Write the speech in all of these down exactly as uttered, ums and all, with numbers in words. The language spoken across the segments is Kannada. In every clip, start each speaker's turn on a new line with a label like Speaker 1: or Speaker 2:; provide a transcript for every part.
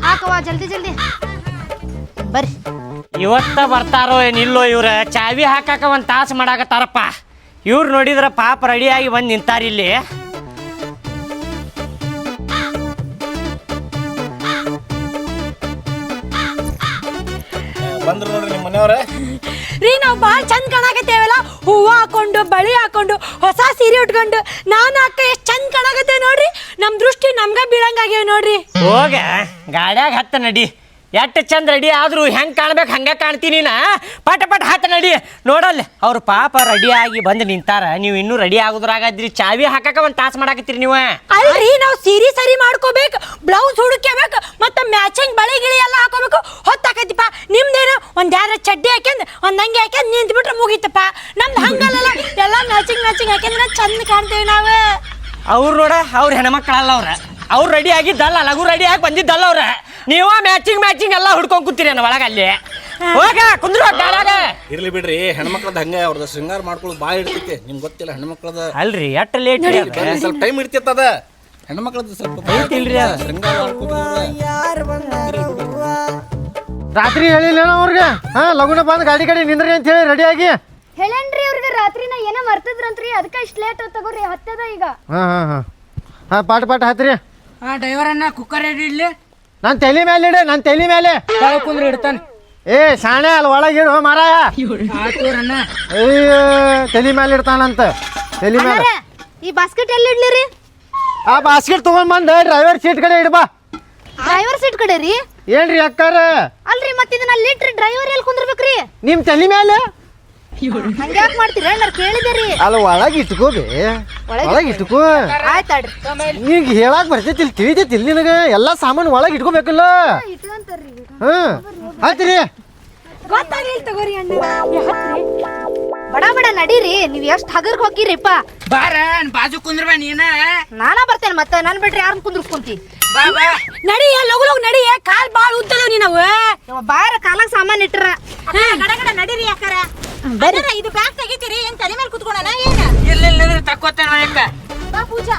Speaker 1: ಹಾಕವ್ವ ಜಲ್ದಿ ಜಲ್ದಿ ಬರ್ರಿ.
Speaker 2: ಇವತ್ತ ಬರ್ತಾರೋ ಏನಿಲ್ಲೋ ಇವ್ರ ಚಾವಿ ಹಾಕಾಕ ಒಂದ್ ತಾಸು ಮಾಡಾಕತ್ತಾರಪ್ಪ. ಇವ್ರು ನೋಡಿದ್ರ ಪಾಪ ರೆಡಿಯಾಗಿ ಬಂದು ನಿಂತಾರ ಇಲ್ಲಿ.
Speaker 3: ಬಂದ್ರು ನೋಡ್ರಿ ನಿಮ್ಮ ಮನೆಯವ್ರೆ.
Speaker 4: ರೀ ನಾವು ಭಾಳ ಚಂದ ಕಾಣಾಕತ್ತೇವಲ್ಲ, ಹೂವು ಹಾಕೊಂಡು ಬಳಿ ಹಾಕೊಂಡು ಹೊಸ ಸೀರೆ ಉಟ್ಕೊಂಡು ನಾನು ಅಕ್ಕ ಎಷ್ಟು ಚಂದ ಕಾಣಾಕತ್ತೇವೆ ನೋಡ್ರಿ. ನಮ್ಮ ದೃಷ್ಟಿ ನಮ್ಗ ಬೀಳಂಗಾಗ್ಯಾವ ನೋಡ್ರಿ.
Speaker 2: ಹೋಗ ಗಾಡ್ಯಾಗ ಹತ್ತ ನಡಿ. ಎಷ್ಟು ಚಂದ ರೆಡಿ ಆದ್ರು ಹೆಂಗ್ ಕಾಣ್ಬೇಕು ಹಂಗ ಕಾಣ್ತೀನಿ ನಾ. ಪಟ ಪಟ ಹತ್ತ ನಡಿ. ನೋಡಲ್ಲ ಅವ್ರ ಪಾಪ ರೆಡಿ ಆಗಿ ಬಂದು ನಿಂತಾರ, ನೀವು ಇನ್ನೂ ರೆಡಿ ಆಗುದ್ರಾಗದ್ರಿ. ಚಾವಿ ಹಾಕಾಕ ಒಂದ್ ತಾಸು ಮಾಡಾಕತ್ತೀರಿ ನೀವು.
Speaker 4: ಅಲ್ರಿ ನಾವು ಸೀರೆ ಸರಿ ಮಾಡ್ಕೋಬೇಕು, ಬ್ಲೌಸ್ ಹುಡುಕ್ಯಬೇಕು, ಮತ್ತೆ ಮ್ಯಾಚಿಂಗ್ ಬಳಿ ಗಿಳಿ ಎಲ್ಲ ಹಾಕೋಬೇಕು. ಹೊತ್ತಾಕೈತಿಪ್ಪ. ನಿಮ್ದೇನು ಒಂದ್ ಯಾರ ಚಡ್ಡಿ ಹಾಕ್ಯಂದ್ ಒಂದ್ ಅಂಗಿ ಹಾಕ್ಯಂದ್ ನಿಂತು ಬಿಟ್ರೆ ಮುಗೀತಪ್ಪ. ನಮ್ದು ಹಂಗಲ್ಲ, ಎಲ್ಲ ಮ್ಯಾಚಿಂಗ್ ಮ್ಯಾಚಿಂಗ್ ಹಾಕ್ಯಂದ್ರೆ ಚಂದ ಕಾಣ್ತೇವೆ ನಾವು.
Speaker 2: ಅವ್ರು ನೋಡ ಅವ್ರ ಹೆಣ್ಮಕ್ಳಲ್ಲ ಅವ್ರ. ಅವ್ರು ರೆಡಿ ಆಗಿದ್ದಲ್ಲ, ಲಘು ರೆಡಿ ಆಗಿ ಬಂದಿದ್ದಲ್ಲ ಅವ್ರ. ನೀವ ಮ್ಯಾಚಿಂಗ್ ಮ್ಯಾಚಿಂಗ್ ಎಲ್ಲ ಹುಡ್ಕೊಂಡ್ ಕೂತೀರಿ ಅನ್ನ ಒಳಗ. ಅಲ್ಲಿ ಹೋಗ ಕುಂದ್ರು ಗಾಡಾಗ.
Speaker 3: ಇರ್ಲಿ ಬಿಡ್ರಿ, ಹೆಣ್ಮಕ್ಳದ ಹಂಗ ಅವ್ರದ್ದು ಶೃಂಗಾರ ಮಾಡ್ಕೊಳ್ಳೋದು ಭಾಳ ಇರ್ತೈತಿ. ನಿಮ್ಗೆ ಗೊತ್ತಿಲ್ಲ ಹೆಣ್ಮಕ್ಳದ.
Speaker 2: ಅಲ್ರಿ ಎಟ್ ಲೇಟ್
Speaker 3: ಸ್ವಲ್ಪ ಟೈಮ್ ಇರ್ತಿತ್ತದ. ಹೆಣ್ಮಕ್ಳದ ಸ್ವಲ್ಪ
Speaker 2: ಇಲ್ರಿ
Speaker 3: ಶೃಂಗಾರ ಮಾಡ್ಕೊಳ್ಳೋದು.
Speaker 5: ರಾತ್ರಿ ಹೇಳಿಲ್ಲ ಅವ್ರಿಗೆ ಹಾ ಲಗುನ ಬಂದು ಗಾಡಿ ಗಾಡಿ ನಿಂದ್ರಿ ಅಂತ ಹೇಳಿ ರೆಡಿ ಆಗಿ
Speaker 1: ಹೇಳೇನ್ರಿ ಅವ್ರಿಗೆ ರಾತ್ರಿನ ಏನೋ ಮರ್ತದ್ರಂತ್ರಿ, ಅದಕ್ಕೆ ಇಷ್ಟು ಲೇಟ್ ತಗೋರಿ. ಹತ್ತದ ಈಗ.
Speaker 5: ಹಾ ಹಾ ಹಾ ಹಾ ಪಾಟ ಪಾಟ ಹತ್ರಿ.
Speaker 6: ಹಾ ಡ್ರೈವರ್ ಅನ್ನ ಕುಕ್ಕರ್ ರೆಡಿ ಇಡ್ಲಿ.
Speaker 5: ನಾನು ತಲೆ ಮೇಲೆ ಇಡ, ನಾನು ತಲೆ ಮೇಲೆ
Speaker 6: ಕುಂದ್ರೆ ಇಡ್ತಾನೆ.
Speaker 5: ಏ ಶಾಣೆ ಅಲ್ಲಿ ಒಳಗಿಡು ಮಾರಾಯ.
Speaker 6: ಆತೂರನ್ನ
Speaker 5: ಅಯ್ಯೋ ತಲೆ ಮೇಲೆ ಇಡ್ತಾನಂತ. ತಲೆ ಮೇಲೆ
Speaker 1: ಈ ಬಾಸ್ಕೆಟ್ ಎಲ್ಲಿ ಇಡ್ಲಿರಿ?
Speaker 5: ಆ ಬಾಸ್ಕೆಟ್ ತಗೊಂಡ್ ಬಂದ ಡ್ರೈವರ್ ಸೀಟ್ ಕಡೆ ಇಡ್ಬಾ.
Speaker 1: ಡ್ರೈವರ್ ಸೀಟ್ ಕಡೆ ರೀ?
Speaker 5: ಏನ್ರಿ ಅಕ್ಕಾರ?
Speaker 1: ಅಲ್ರಿ ಮತ್ತೆ ಇದನ್ನ ಅಲ್ಲಿ ಇಟ್ರಿ ಡ್ರೈವರ್ ಎಲ್ಲಿ ಕುಂದ್ರಬೇಕ್ರಿ?
Speaker 5: ನಿಮ್ ತಲೆ ಮೇಲೆ
Speaker 1: ಹಂಗ್ಯಾಕ್ ಮಾಡ್ತೀರ? ನಾನು ಕೇಳಿದೇರಿ.
Speaker 5: ಅಲ್ಲ ಒಳಗೆ ಇಟ್ಕೋಬಿ, ಒಳಗೆ ಇಟ್ಕೋ.
Speaker 1: ಆಯ್ತಾಡ್ರಿ.
Speaker 5: ಈಗ ಹೇಳಕ್ ಬರ್ತೈತಿ, ತಿಳಿತೈತಿ ನಿನಗ ಎಲ್ಲಾ ಸಾಮಾನು ಒಳಗೆ ಇಟ್ಕೋಬೇಕಲ್ಲ. ಹ್ಮ್ ಆಯ್ತ್ರಿ.
Speaker 4: ಗೊತ್ತಾಗ್ಲಿಲ್ಲ ತಗೋರಿ ಅಣ್ಣ.
Speaker 1: ಬಡ ಬಡ ನಡೀರಿ. ನೀವ್ ಎಷ್ಟ್ ಹಗರ್ಗ್ ಹೋಗಿರಿಪ್ಪ.
Speaker 6: ಬಾರ ಬಾಜು ಕುಂದ್ರಬ ನೀನ.
Speaker 1: ನಾನಾ ಬರ್ತೇನೆ ಮತ್ತೆ. ನನ್ ಬಿಟ್ರಿ ಯಾರನ್ನ ಕುಂದ್ರಸ್ಕೊಂತಿ?
Speaker 6: ಬಾ ಬಾ
Speaker 4: ನಡಿಯ ಲಗು ಲಗು ನಡಿಯ. ಕಾಲ್ ಬಾಳ ಉದ್ದದವ್ ನೀನವು.
Speaker 1: ಬಾರ ಕಾಲಾಗ ಸಾಮಾನ್ ಇಟ್ರ
Speaker 4: ಗಡ ಗಡ ನಡೀರಿ ಯಾಕಾರ. ಇದು ಬ್ಯಾಗ್ ತೆಗಿತೀರಿ ಏನ್ ತಲೆ ಮೇಲೆ ಕುತ್ಕೊಳ್ಳೋಣ ಏನ?
Speaker 6: ಇಲ್ಲ ಇಲ್ಲ ತಕ್ಕೋತಾನ ಯಾಕ.
Speaker 1: ಬಾ ಪೂಜಾ.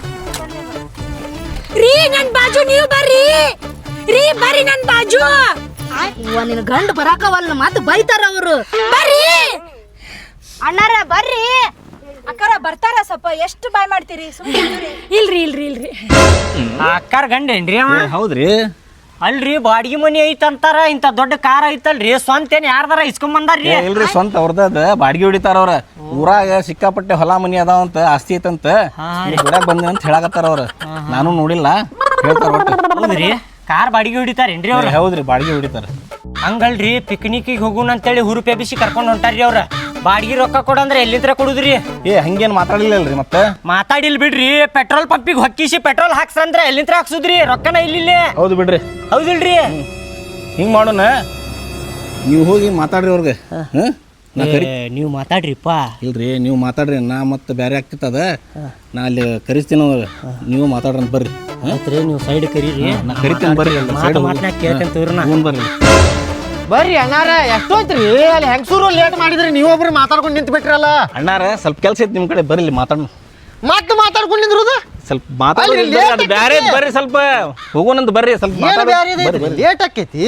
Speaker 4: ರೀ ನನ್ ಬಾಜು ನೀವು ಬರ್ರಿ. ರೀ ಬರ್ರಿ ನನ್ ಬಾಜು.
Speaker 1: ಇವ ನಿನ್ ಗಂಡ ಬರಾಕವಲ್ಲ, ಮತ್ತೆ ಬೈತಾರ ಅವ್ರು.
Speaker 4: ಬರ್ರಿ
Speaker 1: ಅಣ್ಣಾರ ಬರ್ರಿ.
Speaker 4: ಅಕ್ಕಾರ ಬರ್ತಾರ. ಸ್ವಲ್ಪ ಎಷ್ಟು ಬಾಯ್ ಮಾಡ್ತೀರಿ? ಇಲ್ರಿ ಇಲ್ರಿ ಇಲ್ರಿ.
Speaker 2: ಅಕ್ಕಾರ ಗಂಡೇನ್ರಿ ಅವ?
Speaker 3: ಹೌದ್ರಿ.
Speaker 2: ಅಲ್ರಿ ಬಾಡಿಗೆ ಮನಿ ಐತಂತಾರ, ಇಂತ ದೊಡ್ಡ ಕಾರ್ ಐತಲ್ರಿ, ಸ್ವಂತ ಏನ್ ಯಾರ್ದಾರ ಇಸ್ಕೊಂಡ್ ಬಂದಾರ್ರಿ?
Speaker 3: ಇಲ್ರಿ ಸ್ವಂತ ಅವ್ರದ. ಬಾಡಿಗೆ ಹೊಡಿತಾರ ಅವ್ರ. ಊರಾಗ ಸಿಕ್ಕಾಪಟ್ಟೆ ಹೊಲ ಮನಿ ಅದಾವಂತ, ಆಸ್ತಿ ಐತಂತ ಹೊಡ್ಯಾಕ್ ಬಂದ ಅಂತ ಹೇಳಾಕತ್ತಾರ ಅವ್ರ. ನಾನು ನೋಡಿಲ್ಲ, ಹೇಳ್ತಾರ ಒಟ್ಟು.
Speaker 2: ಹೌದ್ರಿ ಕಾರ್ ಬಾಡಿಗೆ ಹೊಡಿತಾರೇನ್ರಿ ಅವ್ರ?
Speaker 3: ಹೌದ್ರಿ ಬಾಡಿಗೆ ಹೊಡಿತಾರ.
Speaker 2: ಹಂಗಲ್ರಿ ಪಿಕ್ನಿಕ್ಗೆ ಹೋಗುಣ ಅಂತೇಳಿ ಹುರುಪೆ ಬಿಸಿ ಕರ್ಕೊಂಡ್ ಹೊಂಟಾರ್ರಿ ಅವ್ರ. ಬಾಡಿಗೆ ರೊಕ್ಕ ಕೊಡಂದ್ರೆ ಎಲ್ಲಿಂದ್ರ ಕೊಡುದ್ರಿ?
Speaker 3: ಏ ಹಂಗೇನ್ ಮಾತಾಡಿಲ್ಲಲ್ರಿ ಮತ್ತೆ.
Speaker 2: ಮಾತಾಡಿಲ್ ಬಿಡ್ರಿ. ಪೆಟ್ರೋಲ್ ಪಂಪಿಗೆ ಹೊಕ್ಕಿಸಿ ಪೆಟ್ರೋಲ್ ಹಾಕ್ಸಂದ್ರ ಎಲ್ಲಿಂದ್ರ ಹಾಕ್ಸುದ್ರಿ? ರೊಕ್ಕನ ಇಲ್ಲಿ.
Speaker 3: ಹೌದು ಬಿಡ್ರಿ.
Speaker 2: ಹೌದಿಲ್ರಿ?
Speaker 3: ಹಿಂಗ್ ಮಾಡೋಣ, ನೀವು ಹೋಗಿ ಮಾತಾಡ್ರಿ ಅವ್ರಿಗೆ.
Speaker 2: ನೀವು ಮಾತಾಡ್ರಿಪ್ಪ.
Speaker 3: ಇಲ್ರಿ ನೀವು ಮಾತಾಡ್ರಿ, ನಾ ಮತ್ತೆ ಬೇರೆ ಆಗ್ತಿತ್ತದ. ನಾ ಅಲ್ಲಿ ಕರಿಸ್ತೀನಿ ಅವ್ರಿಗೆ, ನೀವು ಮಾತಾಡ್ರಿ ಅಂತ ಬರ್ರಿ.
Speaker 2: ನೀವು ಸೈಡ್ ಕರೀರಿ,
Speaker 3: ನಾ ಕರಿತೀನಿ ಬರ್ರಿ.
Speaker 2: ಮಾತನಾಗ ಕೇಳ್ಕೊಂತೀವ್ರಿ.
Speaker 3: ಹ್ಞೂ ಬರ್ರಿ
Speaker 5: ಬರ್ರಿ ಅಣ್ಣಾರ. ಎಷ್ಟೋಯ್ತ್ರಿ ಅಲ್ಲಿ ಹೆಂಗಸೂರು ಲೇಟ್ ಮಾಡಿದ್ರಿ, ನೀವೊಬ್ರು ಮಾತಾಡ್ಕೊಂಡು ನಿಂತು ಬಿಟ್ರಲ್ಲ.
Speaker 3: ಅಣ್ಣಾರ ಸ್ವಲ್ಪ ಕೆಲಸ ಐತಿ ನಿಮ್ಮ ಕಡೆ, ಬರ್ರಿ ಮಾತಾಡೋಣ.
Speaker 5: ಮತ್ತೆ ಮಾತಾಡ್ಕೊಂಡು ನಿಂದ್ರುದು
Speaker 3: ಸ್ವಲ್ಪ ಮಾತಾಡ್ರಿ, ಬ್ಯಾರೆ ಬರ್ರಿ. ಸ್ವಲ್ಪ ಹೋಗೋಣಂತ ಬರ್ರಿ. ಸ್ವಲ್ಪ
Speaker 5: ಲೇಟ್ ಆಕೈತಿ.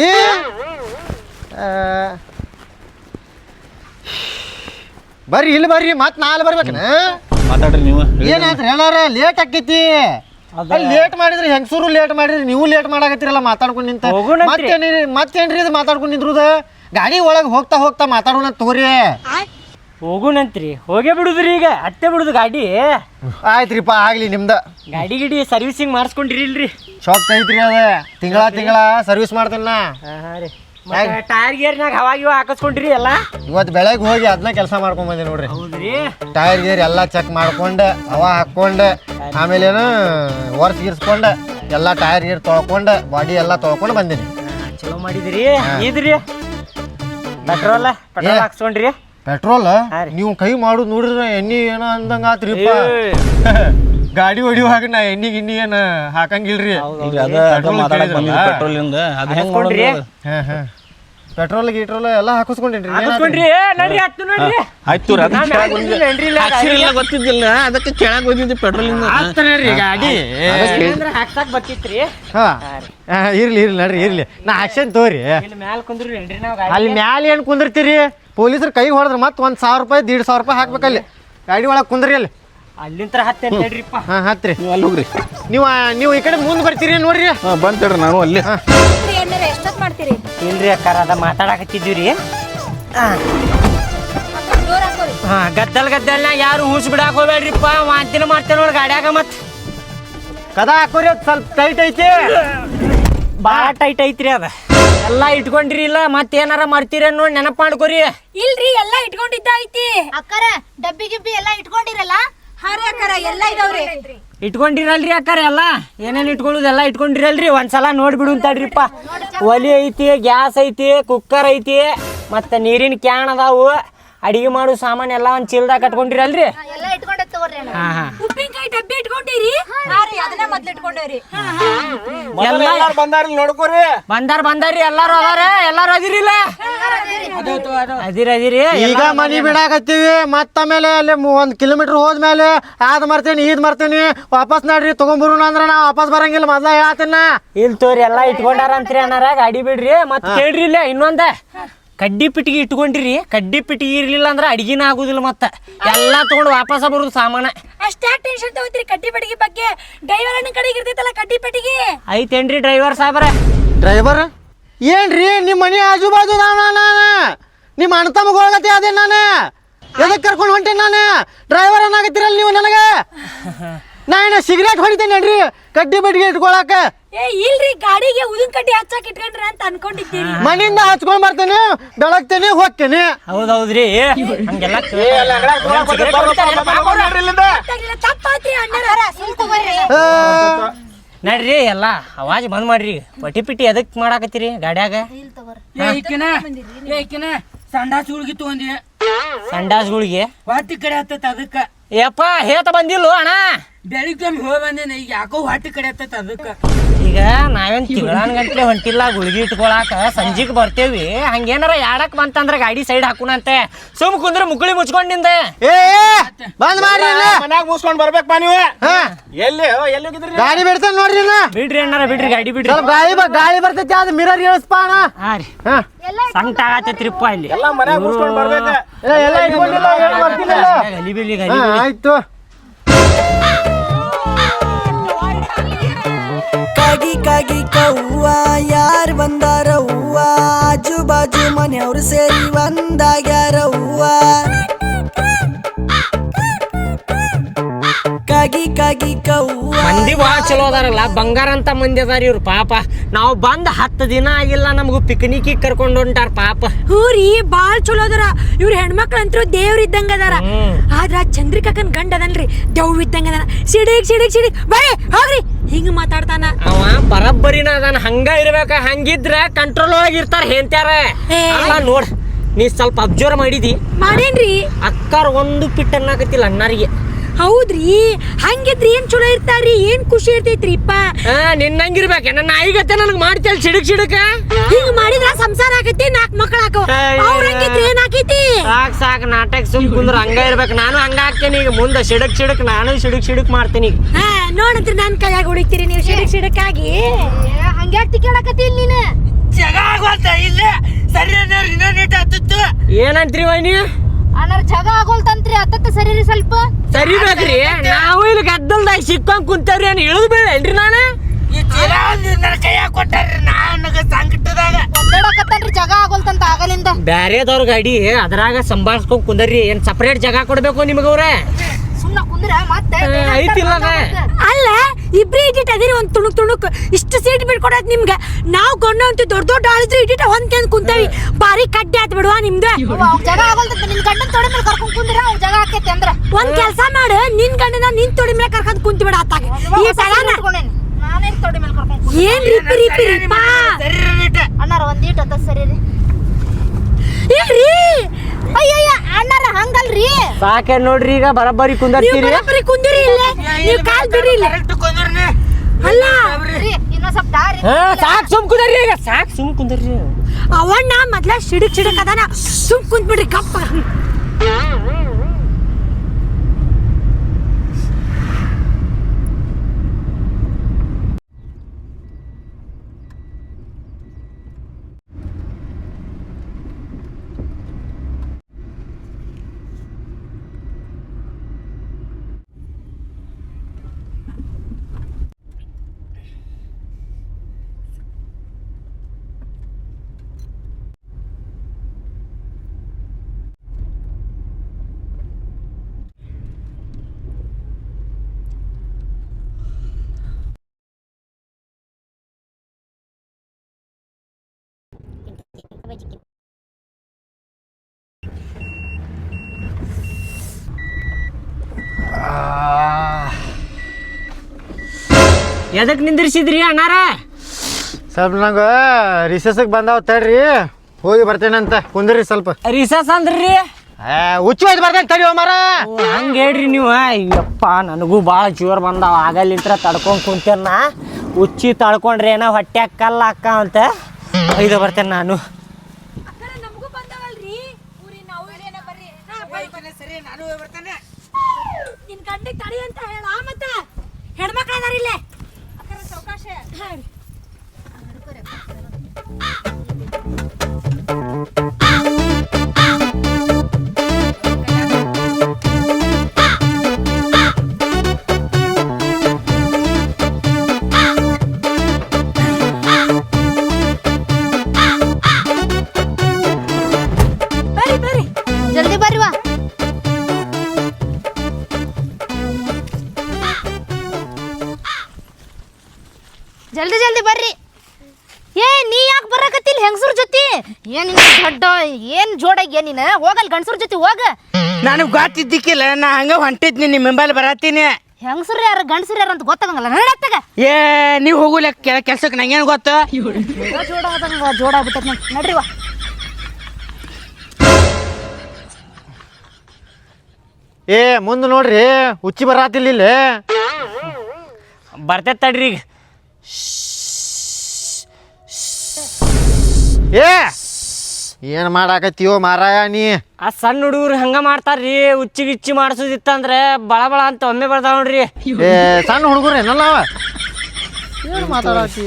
Speaker 5: ಬರ್ರಿ ಇಲ್ಲಿ ಬರ್ರಿ. ಮತ್ ನಾಳೆ ಬರ್ಬೇಕನ?
Speaker 3: ಮಾತಾಡ್ರಿ ನೀವು.
Speaker 5: ಏನಾದ್ರಿ ಅಣ್ಣಾರ ಲೇಟ್ ಆಕೈತಿ. ಲೇಟ್ ಮಾಡಿದ್ರಿ ಹೆಂಗಸೂರು ಲೇಟ್ ಮಾಡಿದ್ರಿ, ನೀವು ಲೇಟ್ ಮಾಡಾಕತ್ತೀರಲ್ಲ ಮಾತಾಡ್ಕೊಂಡು ನಿಂತ. ಮತ್ತೇನ್ರಿ ಮತ್ತೇನ್ರಿ ಇದು ಮಾತಾಡ್ಕೊಂಡು ನಿಂದ್ರುದ? ಗಾಡಿ ಒಳಗೆ ಹೋಗ್ತಾ ಹೋಗ್ತಾ ಮಾತಾಡೋಣ ತಗೋರಿ.
Speaker 2: ಹೋಗುಣಂತ್ರಿ. ಹೋಗೇ ಬಿಡುದ್ರಿ ಈಗ. ಅತ್ತೆ ಬಿಡುದು ಗಾಡಿ.
Speaker 5: ಆಯ್ತ್ರಿಪ್ಪ ಆಗ್ಲಿ ನಿಮ್ದ.
Speaker 2: ಗಾಡಿ ಗಿಡಿ ಸರ್ವಿಸಿಂಗ್ ಮಾಡಿಸ್ಕೊಂಡ್ರಿ ಇಲ್ರಿ?
Speaker 5: ಶಾಕ್ ಐತ್ರಿ ಅದ. ತಿಂಗಳ ತಿಂಗಳ ಸರ್ವಿಸ್ ಮಾಡ್ತೇನ.
Speaker 2: ಟೈರ್ ಗೇರ್ನಾಗ ಹವಾ ಗಿವ ಹಾಕಿಸ್ಕೊಂಡ್ರಿ ಎಲ್ಲ?
Speaker 5: ಇವತ್ತು ಬೆಳಗ್ಗೆ ಹೋಗಿ ಅದನ್ನ ಕೆಲಸ ಮಾಡ್ಕೊಂಡ್ ಬಂದೆ ನೋಡ್ರಿ.
Speaker 2: ಹೌದ್ರಿ.
Speaker 5: ಟೈರ್ ಗೇರ್ ಎಲ್ಲ ಚೆಕ್ ಮಾಡ್ಕೊಂಡೆ, ಹವಾ ಹಾಕೊಂಡೆ, ಆಮೇಲೆ ಏನು ವರ್ಸ್ ಗಿರ್ಸ್ಕೊಂಡೆ, ಎಲ್ಲ ಟೈರ್ ಗೀರ್ ತೊಳ್ಕೊಂಡೆ, ಬಾಡಿ ಎಲ್ಲ ತೊಳ್ಕೊಂಡು ಬಂದಿನಿ.
Speaker 2: ಚಲೋ ಮಾಡಿದ್ರಿ. ಇದ್ರಿ ಪೆಟ್ರೋಲ್ ಪೆಟ್ರೋಲ್ ಹಾಕ್ಸ್ಕೊಂಡ್ರಿ?
Speaker 5: ಪೆಟ್ರೋಲ್ ನೀವು ಕೈ ಮಾಡುದು ನೋಡ್ರಿ ಎಣ್ಣಿ ಏನೋ ಅಂದಂಗ ಆತ್ರಿಪ್ಪ. ಗಾಡಿ ಹೊಡಿಯುವಾಗ ನಾ ಎಣ್ಣಿ ಗಿಣ್ಣಿ ಏನ್ ಹಾಕಂಗಿಲ್ರಿ.
Speaker 3: ಪೆಟ್ರೋಲ್
Speaker 5: ಪೆಟ್ರೋಲ್ ಗೀಟ್ರೋಲ್ ಎಲ್ಲ ಹಾಕಿಸ್ಕೊಂಡೇನ್ರಿ
Speaker 2: ಹಾಕಿಸ್ಕೊಂಡ್ರಿ ನಡ್ರಿ ಹತ್ತು ನೋಡ್ರಿ
Speaker 3: ಆಯ್ತು ರೀ ಅದಕ್ಕೆ
Speaker 2: ನಾ
Speaker 3: ಕೆಳಗ್
Speaker 2: ಮ್ಯಾಲ್
Speaker 3: ಬಂದಿದ್ದೆ.
Speaker 2: ಬಂದಿಲ್ಲ ಇಲ್ಲ
Speaker 3: ಹಾಕ್ಸಿರಿಲ್ಲ ಗೊತ್ತಿದ್ದಿಲ್ಲ ಅದಕ್ಕೆ ಕೆಳಗೆ ಬಂದಿದ್ದೆ ಪೆಟ್ರೋಲಿಂದ
Speaker 2: ಆಗ್ತಾನೆ ಗಾಡಿ
Speaker 3: ಅದಕ್ಕೆ-
Speaker 2: ಅಂದ್ರೆ ಹಾಕ್ಸಾಕ್ ಬರ್ತಿತ್ರಿ
Speaker 5: ಹಾ ಆ, ಇರ್ಲಿ ಇರ್ಲಿ ನಡ್ರಿ ಇರ್ಲಿ ನಾ ಆಕ್ಷನ್ ತೋರಿ
Speaker 2: ಇಲ್ಲಿ ಮ್ಯಾಲ ಕುಂದ್ರಿ ಏನ್ರಿ ನಾವು
Speaker 5: ಅಲ್ಲಿ ಮ್ಯಾಲ ಏನು ಕುಂದಿರ್ತೀರಿ ಪೊಲೀಸರು ಕೈಗೆ ಹೊಡೆದ್ರೆ ಮತ್ತೆ ಒಂದು ಸಾವಿರ ರೂಪಾಯಿ ದೀಡ್ ಸಾವಿರ ರೂಪಾಯಿ ಹಾಕ್ಬೇಕಲ್ಲಿ ಗಾಡಿ ಒಳಗೆ ಕುಂದ್ರಿ ಅಲ್ಲಿ
Speaker 2: ಅಲ್ಲಿಂತ್ರ ಹತ್ತೆ ಹೇಳ್ರಿಪ್ಪ
Speaker 5: ಹಾಂ ಹತ್ರಿ
Speaker 3: ನೀವು ಅಲ್ಲಿ ಹೋಗ್ರಿ
Speaker 5: ನೀವು ನೀವು ಈ ಕಡೆ ಮುಂದೆ ಬರ್ತೀರಿ ನೋಡ್ರಿ
Speaker 3: ಹಾಂ ಬಂತೇಳ್ರಿ ನಾನು ಅಲ್ಲಿ
Speaker 4: ಎಷ್ಟೊತ್ತು ಮಾಡ್ತೀರಿ
Speaker 2: ಇಲ್ರಿ ಅಕ್ಕಾರ ಅದ ಮಾತಾಡಕತ್ತಿದ್ವಿ ರೀ ಹಾ ಗದ್ದಲ್ ಗದ್ದಲ್ನ ಯಾರು ಹೂಸ್ ಬಿಡಾಕ್ ಹೋಗ್ಬೇಡ್ರಿಪ್ಪ ವಾಂತಿನ ಮಾಡ್ತೇನೆ ನೋಡಿ ಗಾಡ್ಯಾಗ ಮತ್
Speaker 5: ಕದ ಹಾಕೋರಿ ಅದು ಸ್ವಲ್ಪ ಟೈಟ್ ಐತಿ
Speaker 2: ಭಾಳ ಟೈಟ್ ಐತ್ರಿ ಅದ ಎಲ್ಲ ಇಟ್ಕೊಂಡ್ರಿ ಇಲ್ಲ ಮತ್ತೇನಾರ ಮಾಡ್ತೀರ ನೋಡಿ ನೆನಪು ಮಾಡ್ಕೊರಿ
Speaker 4: ಇಲ್ರಿ ಎಲ್ಲ ಇಟ್ಕೊಂಡಿದ್ದ ಐತಿ
Speaker 1: ಅಕ್ಕರ ಡಬ್ಬಿ ಗಿಬ್ಬಿ ಎಲ್ಲ ಇಟ್ಕೊಂಡಿರಲ್ಲ
Speaker 4: ಹಾರಿ ಅಕ್ಕಾರ ಎಲ್ಲ ಇದಾವ್ರಿ
Speaker 2: ಇಟ್ಕೊಂಡಿರಲ್ರಿ ಅಕ್ಕಾರ ಎಲ್ಲ ಏನೇನು ಇಟ್ಕೊಳ್ಳೋದು ಎಲ್ಲ ಇಟ್ಕೊಂಡಿರಲ್ರಿ ಒಂದ್ಸಲ ನೋಡ್ಬಿಡು ಅಂತಡ್ರಿಪ್ಪ ಒಲಿ ಐತಿ ಗ್ಯಾಸ್ ಐತಿ ಕುಕ್ಕರ್ ಐತಿ ಮತ್ತೆ ನೀರಿನ ಕ್ಯಾನ್ ಅದಾವು ಅಡಿಗೆ ಮಾಡೋ ಸಾಮಾನು ಎಲ್ಲ ಒಂದು ಚೀಲ್ದಾಗ ಕಟ್ಕೊಂಡಿರಲ್ರಿ
Speaker 1: ಎಲ್ಲ ಇಟ್ಕೊಂಡೆ ತಗೋರಿ ಅಣ್ಣ.
Speaker 2: ಹಾ ಹಾ
Speaker 4: ಉಪ್ಪಿನಕಾಯಿ ಡಬ್ಬಿ ಇಟ್ಕೊಂಡಿರಿ ಹಾರಿ ಅದನ್ನ ಮೊದ್ಲು ಇಟ್ಕೊಂಡೇವ್ರಿ
Speaker 2: ಎಲ್ಲ
Speaker 3: ಬಂದಾರ ನೋಡ್ಕೋರಿ
Speaker 2: ಬಂದಾರ ಬಂದಾರ್ರಿ ಎಲ್ಲಾರು ಅದಾರ ಎಲ್ಲಾರು ಅದಿರಿಲ್ಲ ಅದಿರಿ ಅದಿರಿ
Speaker 5: ಈಗ ಮನಿ ಬಿಡಾಕತ್ತೀವಿ ಮತ್ತ ಆಮೇಲೆ ಅಲ್ಲಿ ಒಂದು ಕಿಲೋಮೀಟರ್ ಹೋದ್ಮೇಲೆ ಅದ್ ಮರ್ತೇನಿ ಇದ್ ಮರ್ತೇನಿ ವಾಪಸ್ ನಡ್ರಿ ತಗೊಂಬರೋಣ ಅಂದ್ರೆ ನಾ ವಾಪಸ್ ಬರಂಗಿಲ್ಲ ಮೊದ್ಲ ಹೇಳ್ತೇನ
Speaker 2: ಇಲ್ ತೋರಿ ಎಲ್ಲಾ ಇಟ್ಕೊಂಡಾರ ಅಂತ್ರಿ ಅನ್ನಾರ ಗಾಡಿ ಬಿಡ್ರಿ ಮತ್ ಕೇಳ್ರಿ ಇಲ್ಲ ಇನ್ನೊಂದ ಕಡ್ಡಿ ಪಿಟ್ಟಿಗೆ ಇಟ್ಕೊಂಡ್ರಿ ಕಡ್ಡಿ ಪಿಟ್ಟಿಗೆ ಇರ್ಲಿಲ್ಲ ಅಂದ್ರೆ ಅಡಿಗೆನ ಆಗುದಿಲ್ಲ ಮತ್ತ ಎಲ್ಲಾ ತಗೊಂಡು ವಾಪಸ್ ಬರುದು ಸಾಮಾನ
Speaker 4: ಅಷ್ಟಾಕ್ ಟೆನ್ಷನ್ ತಗೋತೀರಿ ಕಡ್ಡಿ ಪೆಟ್ಟಿಗೆ ಬಗ್ಗೆ ಡ್ರೈವರ್ ಅಣ್ಣ ಕಡೆಗೆ ಇರ್ತೈತಲ್ಲ ಕಡ್ಡಿ ಪೆಟ್ಟಿಗೆ
Speaker 2: ಐತೇನ್ರಿ ಡ್ರೈವರ್ ಸಾಬ್ರ
Speaker 5: ಡ್ರೈವರ್ ಏನ್ರಿ ನಿಮ್ಮ ಮನೆ ಆಜು ಬಾಜು ನಾನು ನಿಮ್ಮ ಅಣ್ಣ ತಮ್ಮಗೊಳಗತ್ತೆ ಅದೇ ನಾನು ಎದಕ್ಕೆ ಕರ್ಕೊಂಡು ಹೊಂಟೇನಿ ನಾನು ಡ್ರೈವರ್ ಏನಾಗತ್ತೀರಲ್ಲ ನೀವು ನನಗೆ ನಾ ಏನ ಸಿಗರೇಟ್ ಹೊಡಿತೇನೆ ನಡ್ರಿ ಕಡ್ಡಿ ಬಡ್ಡಿಗೆ ಇಟ್ಕೊಳಕ
Speaker 4: ಏ ಇಲ್ರಿ ಗಾಡಿಗೆ ಉದಿನ ಕಡ್ಡಿ ಹಚ್ಚಾಕ್ ಇಟ್ಕೊಂಡ್ರ ಅಂತ ಅನ್ಕೊಂಡಿದ್ದೀರಿ
Speaker 5: ಮನೆಯಿಂದ ಹಚ್ಕೊಂಡ್ ಬರ್ತೇನೆ ಬೆಳಗ್ತೇನೆ ಹೋಗ್ತೇನೆ
Speaker 2: ಹೌದೌದ್ರಿ ಹಂಗೆಲ್ಲ
Speaker 4: ತಪ್ಪಾತ್ರಿ ಅಣ್ಣಾರ
Speaker 5: ಆ,
Speaker 2: ನಡ್ರಿ ಎಲ್ಲ ಅವಾಜ್ ಬಂದ್ ಮಾಡ್ರಿ ಪಟಿ ಪಿಟಿ ಎದಕ್ ಮಾಡಾಕತ್ತೀರಿ ಗಾಡ್ಯಾಗ
Speaker 6: ಏಕಿನ ಏಕಿನ ಸಂಡಾಸ್ ಹುಡುಗಿ ತಗೊಂಡಿ
Speaker 2: ಸಂಡಾಸ್ಗಳಿಗೆ
Speaker 6: ಹೊಟ್ಟಿ ಕಡೆ ಹತ್ತತ್ ಅದಕ್ಕ
Speaker 2: ಯಪ್ಪ ಹೇತ ಬಂದಿಲ್ಲ ಅಣ್ಣ
Speaker 6: ಬೆಳಿಗ್ಗೆ ಹೋಗಿ ಬಂದೇನೆ ಈಗ ಯಾಕೋ ಹೊಟ್ಟಿ ಕಡೆ ಹತ್ತತ್ ಅದಕ್ಕ
Speaker 2: ಈಗ ನಾವೇನ್ ತಿಂಗಳಾನ್ ಗಂಟ್ಲೆ ಹೊಂಟಿಲ್ಲ ಗುಳಿಗೆ ಇಟ್ಕೊಳಾಕ ಸಂಜಿಗ್ ಬರ್ತೇವಿ ಹಂಗೇನಾರ ಯಾಡಕ್ ಬಂತಂದ್ರ ಗಾಡಿ ಸೈಡ್ ಹಾಕುನಂತೆ ಸುಮ್ ಕುಂದ್ರ ಮುಕ್ಳಿ ಮುಚ್ಕೊಂಡಿಂದ
Speaker 5: ಏ ಏ, ಬಂದ್ ಮಾಡ್ರಿ ಇನ್ನ.
Speaker 3: ಮನ್ಯಾಗ ಮುಗಿಸ್ಕೊಂಡ್ ಬರ್ಬೇಕಪ್ಪ ನೀವು
Speaker 5: ಹಾ,
Speaker 3: ಎಲ್ಲಿ ಎಲ್ಲಿ ಹೋಗಿದ್ರಿ
Speaker 5: ಗಾಡಿ ಬಿಡ್ತೇನೆ ನೋಡ್ರಿ ಇನ್ನ.
Speaker 2: ಬಿಡ್ರಿ ಅಣ್ಣಾರ ಬಿಡ್ರಿ ಗಾಡಿ ಬಿಡ್ರಿ
Speaker 5: ಸ್ವಲ್ಪ ಗಾಳಿ ಬ- ಗಾಳಿ ಬರ್ತೈತಿ ಅದು ಮಿರರ್ ಇಳಿಸ್ಪ ಅಣ್ಣ.
Speaker 2: ಹಾ ರೀ
Speaker 5: ಹಾ
Speaker 2: ಸಂಕಟ ಆಗತ್ತೈತ್ರಿಪ್ಪ ಇಲ್ಲಿ
Speaker 3: ಎಲ್ಲ ಮನ್ಯಾಗ ಮುಗಿಸ್ಕೊಂಡ್ ಬರ್ಬೇಕ
Speaker 5: ಏ, ಎಲ್ಲ ಇಟ್ಕೊಂಡಿಲ್ಲ ಏನು ಬರ್ತಿಲ್ಲ
Speaker 2: ಗಲಿ ಬಿಡ್ಲಿ
Speaker 5: ಹಾ
Speaker 2: ಗಲಿ ಬಿಡ್ಲಿ.
Speaker 5: ಆಯ್ತು
Speaker 7: ಕಾಗಿ ಕಾಗಿ ಕವ್ವ ಯಾರ್ ಬಂದಾರ ಹೂವ ಆಜು ಬಾಜು ಮನೆಯವ್ರು ಸೇರಿ ಒಂದಾಗ್ಯಾರ ಹೂವ ಕಾಗಿ ಕಾಗಿ ಕವ್ವ
Speaker 2: ಮಂದಿ ಭಾಳ ಚಲೋ ಅದಾರಲ್ಲ ಬಂಗಾರ ಅಂತ ಮಂದಿ ಅದಾರ ಇವ್ರು ಪಾಪ ನಾವು ಬಂದ್ ಹತ್ತು ದಿನ ಆಗಿಲ್ಲ ನಮಗೂ ಪಿಕ್ನಿಕ್ ಕರ್ಕೊಂಡು ಹೊಂಟಾರ ಪಾಪ
Speaker 4: ಹೂರಿ ಬಾಳ್ ಚಲೋ ಅದಾರ ಇವ್ರ ಹೆಣ್ಮಕ್ಳು ಅಂತೂ ದೇವ್ರ ಇದ್ದಂಗ ಅದಾರ ಆದ್ರ ಚಂದ್ರಿಕಾಕನ್ ಗಂಡ ಅದನ್ರಿ ದೆವ್ ಇದ್ದಂಗ ಅದಾನ ಸಿಡಿಗ್ ಸಿಡಿಗ್ ಸಿಡಿಗ್ ಬರ್ರಿ ಹೋಗ್ರಿ ಹಿಂಗ ಮಾತಾಡ್ತಾನ
Speaker 2: ಅವ ಬರಬ್ಬರಿನ ಅದಾನ ಹಂಗ ಇರ್ಬೇಕ ಹಂಗಿದ್ರ ಕಂಟ್ರೋಲ್ ಒಳಗೆ ಇರ್ತಾರ ಹೆಂತ್ಯಾರ
Speaker 4: ಏ.
Speaker 2: ಅಲ್ಲ ನೋಡ್ ನೀ ಸ್ವಲ್ಪ ಅಬ್ಸರ್ವ್ ಮಾಡಿದಿ
Speaker 4: ಮಾಡೇನ್ರಿ
Speaker 2: ಅಕ್ಕಾರ ಒಂದು ಪಿಟ್ ಅನ್ನಕತ್ತಿಲ್ಲ ಅಣ್ಣಾರಿಗೆ
Speaker 4: ಹೌದ್ರಿ ಹಂಗಿದ್ರಿ ಏನ್ ಚಲೋ ಇರ್ತಾರ್ರಿ ಏನ್ ಖುಷಿ ಇರ್ತೈತ್ರಿಪ್ಪ
Speaker 2: ಹಾ ನಿನ್ನಂಗಿರ್ಬೇಕ ನನ್ನ ನಾಯಿಗತ್ತೆ ನನಗ್ ಮಾಡ್ತೇಳಿ ಸಿಡಕ್ ಸಿಡಕ
Speaker 4: ಹಿಂಗ ಮಾಡಿದ್ರ ಸಂಸಾರ ಆಗೈತಿ ನಾಕ್ ಮಕ್ಳ ಹಾಕೋ ಅವ್ರ ಹಂಗಿದ್ರಿ ಏನ್ ಆಕೈತಿ
Speaker 2: ಸಾಕ್ ಸಾಕ್ ನಾಟಕ ಸುಮ್ ಕುಂದ್ರ ಹಂಗ ಇರ್ಬೇಕು ನಾನು ಹಂಗ ಹಾಕ್ತೇನೆ ಈಗ ಮುಂದೆ ಸಿಡಕ್ ಸಿಡಕ್ ನಾನು ಸಿಡಕ್ ಸಿಡಕ್ ಮಾಡ್ತೀನಿ ಈಗ
Speaker 4: ಹಾ ನೋಡಂತ್ರಿ ನನ್ ಕೈಯಾಗ ಹೊಡಿತೀರಿ ನೀವು ಸಿಡಕ್ ಸಿಡಕ್ಕಾಗಿ
Speaker 1: ಹಂಗ್ಯಾಕ್ ತಿಕ್ಕಾಡಕತ್ತಿ ಇಲ್ಲಿ ನೀನು
Speaker 6: ಜಗ ಆಗೋಲ್ತ ಇಲ್ಲ ಸರಿ ಇನ್ನೊಂದು ಹತ್ತತ್ತು
Speaker 2: ಏನಂತ್ರಿ ವೈನಿ
Speaker 1: ಅಣ್ಣಾರ ಜಗ ಆಗೋಲ್ತಂತ್ರಿ ಹತ್ತತ್ತ ಸರಿ ರೀ ಸ್ವಲ್ಪ
Speaker 2: ಸರಿ ಬೇಕ್ರಿ ನಾವು ಇಲ್ಲಿ ಗದ್ದಲ್ದಾಗ ಸಿಕ್ಕೊಂಡ್ ಕುಂತೇವ್ರಿ ಏನ್ ಇಳಿದ್ ಬೇಡೇನ್ರಿ ನಾನು
Speaker 6: ಈ ಚೀಲ ಒಂದು ನನ್ನ ಕೈಯಾಗ ಕೊಟ್ಟಾರ್ರಿ ನನಗ ಸಂಕಟದಾಗ
Speaker 1: ಒದ್ದಾಡಕತ್ತನ್ರಿ ಜಗ ಆಗೋಲ್ತಂತ ಆಗಲಿಂದ
Speaker 2: ಬ್ಯಾರೆದವ್ರ ಗಾಡಿ ಅದ್ರಾಗ ಸಂಭಾಳ್ಸ್ಕೊಂಡ್ ಕುಂದರ್ರಿ ಏನ್ ಸಪರೇಟ್ ಜಾಗ ಕೊಡ್ಬೇಕು ನಿಮಗವ್ರ
Speaker 1: ಸುಮ್ನ ಕುಂದ್ರ ಮತ್ತೆ
Speaker 2: ಐತಿಲ್ಲ ಅದ.
Speaker 4: ಅಲ್ಲ ಇಬ್ರಿ ಇಟ್ಟಿಟ್ ಅದಿರಿ ಒಂದ್ ತುಣುಕ್ ತುಣುಕ್ ಇಷ್ಟು ಸೀಟ್ ಬಿಟ್ಕೊಡತ್ ನಿಮ್ಗ ನಾವ್ ಗೊಂಡ ಅಂತ ದೊಡ್ಡ ದೊಡ್ಡ ಆಳಿದ್ರು ಇಟ್ಟಿಟ ಹೊಂದ್ಕೊಂಡ್ ಕುಂತೇವಿ ಬಾರಿ ಕಡ್ಡಿ ಆತ್ ಬಿಡುವ ನಿಮ್ದು
Speaker 1: ಅವ್ ಜಗ ಆಗೋಲ್ತಂತ ನಿನ್ ಗಂಡನ್ ತೊಡೆ ಮೇಲೆ ಕರ್ಕೊಂಡ್ ಕುಂದ್ರ ಅವ್ ಜಗ ಆಕೈತಿ ಅಂದ್ರ
Speaker 4: ಒಂದ್ ಕೆಲ್ಸ ಮಾಡು ನಿನ್ ಗಂಡನ ನಿನ್ ತೊಡಿ ಮೇಲೆ ಕರ್ಕೊಂಡ್ ಕುಂತಿ ಬಿಡ ಆತಾಗ ಈ ಸಲನ
Speaker 1: ನಾನೇನ್ ತೊಡೆ ಮೇಲೆ ಕರ್ಕೊಂಡ್ ಕುಂದ್ರ
Speaker 4: ಏನ್ ರಿಪಿ ರಿಪಿ ರಿಪಾ
Speaker 6: ಸರಿ ನೀಟ
Speaker 1: ಅಣ್ಣಾರ ಒಂದೀಟ್ ಹತ್ತ ಸರಿ ರೀ
Speaker 4: ಇಲ್ರಿ
Speaker 1: ಅಯ್ಯಯ್ಯ ಅಣ್ಣಾರ ಹಂಗಲ್ರಿ
Speaker 2: ಸಾಕೆ ನೋಡ್ರಿ ಈಗ ಬರಬ್ಬರಿ
Speaker 4: ನೀವು
Speaker 2: ಕುಂದರ್ತೀರಿ
Speaker 4: ಬರೋಬ್ಬರಿ ಕುಂದಿರಿ ಇಲ್ಲೇ ನೀವು ಕಾಲ್ ಬಿಡಿ ಇಲ್ಲ
Speaker 6: ಕರೆಕ್ಟ್ ಕೊಂದ್ರಿ
Speaker 4: ಅಲ್ಲ
Speaker 1: ರೀ ಇನ್ನೊಂದ್ ಸ್ವಲ್ಪ ದಾರಿ
Speaker 2: ಹಾ ಸಾಕ್ ಸುಮ್ ಕುಂದರ್ರಿ ಈಗ ಸಾಕ್ ಸುಮ್ ಕುಂದರ್ರಿ
Speaker 4: ಅವಣ್ಣ ಮೊದ್ಲ ಸಿಡಿಕ್ ಸಿಡಕ್ ಅದಾನ ಸುಮ್ ಕುಂತ್ಬಿಡ್ರಿ ಕಪ್ಪ
Speaker 2: ಎದಕ್ ನಿಂದಿರ್ಸಿದ್ರಿ ಅಣ್ಣಾರ?
Speaker 5: ಸ್ವಲ್ಪ ನಂಗೆ ರಿಸಸ್ಗೆ ಬಂದಾವ ತಡ್ರಿ ಹೋಗಿ ಬರ್ತೇನಂತ ಕುಂದ್ರಿ ಸ್ವಲ್ಪ.
Speaker 2: ರಿಸಸ್ ಅಂದ್ರಿ
Speaker 5: ಹುಚ್ಚು ಹೋಯ್ತು ಬರ್ತೇನೆ ತಡಿ ಮಾರ.
Speaker 2: ಹಂಗ ಹೇಳ್ರಿ ನೀವು. ಅಯ್ಯಪ್ಪ ನನಗೂ ಭಾಳ ಜೋರ್ ಬಂದಾವ, ಆಗಲ್ಲಿಂತ್ರ ತಡ್ಕೊಂಡ್ ಕುಂತೇನ. ಹುಚ್ಚಿ ತಡ್ಕೊಂಡ್ರೆ ಏನೋ ಹೊಟ್ಟೆ ಕಲ್ಲ ಅಕ್ಕ ಅಂತ ಒಯ್ದು ಬರ್ತೇನೆ ನಾನು.
Speaker 4: ನಮಗೂ ಬಂದವಲ್ರಿ ನಿನ್ ಗಂಡಿಗೆ ತಡಿ ಅಂತ ಹೇಳ ಮತ್ತ ಹೆಣ್ಮಕ್ಳು ಅದಾರ ಇಲ್ಲೇ ಅವಕಾಶ. ಬರ್ರಿ ಬರ್ರಿ
Speaker 1: ಜಲ್ದಿ ಬರ್ರಿವಾ. ಜಲ್ದಿ ಜಲ್ದಿ ಬರ್ರಿ. ಏ ನೀ ಯಾಕೆ ಬರಕತ್ತಿಲ್ಲ ಹೆಂಗಸೂರ್ ಜೊತೆ? ಏನ್ ದೊಡ್ಡ ಏನ್ ಜೋಡಾಗಿ ನೀನ ಹೋಗಲ್ ಗಂಡಸೂರ್ ಜೊತೆ ಹೋಗ.
Speaker 6: ನನಗೆ ಗೊತ್ತಿದ್ದಿಕ್ಕಿಲ್ಲ, ನಾ ಹಂಗ ಹೊಂಟಿದ್ನಿ ನಿಮ್ಮ ಬೆಂಬಲ ಬರತ್ತೀನಿ.
Speaker 1: ಹೆಂಗಸೂರ್ ಯಾರು ಗಂಡಸೂರ್ ಯಾರು ಅಂತ ಗೊತ್ತಾಗಂಗಲ್ಲ ನಡತ್ತಾಗ.
Speaker 6: ಏ ನೀವು ಹೋಗುಲ ಕೆಲ್ಸಕ್ಕೆ ನಂಗೇನು ಗೊತ್ತು?
Speaker 1: ಜೋಡ ಆದಂಗ ಜೋಡ ಆಗ್ಬಿಟ್ಟದ ನಡ್ರಿವಾ.
Speaker 5: ಏ ಮುಂದೆ ನೋಡ್ರಿ ಹುಚ್ಚಿ ಬರಾತಿಲ್ಲ ಇಲ್ಲಿ.
Speaker 2: ಬರ್ತೈತೆ ತಡ್ರಿ ಈಗ.
Speaker 5: ಏ ಏನು ಮಾಡಾಕತ್ತೀವೋ ಮಾರಾಯ ನೀ?
Speaker 2: ಆ ಸಣ್ಣ ಹುಡುಗರು ಹಂಗ ಮಾಡ್ತಾರ್ರಿ. ಉಚ್ಚಿ ಗಿಚ್ಚಿ ಮಾಡಿಸೋದಿತ್ತಂದ್ರೆ ಬಳ ಬಳ ಅಂತ ಒಮ್ಮೆ ಬರ್ತಾವ ನೋಡ್ರಿ.
Speaker 5: ಏ ಸಣ್ಣ ಹುಡುಗರು ಏನಲ್ಲ ಅವ ಏನು ಮಾತಾಡತ್ತಿ?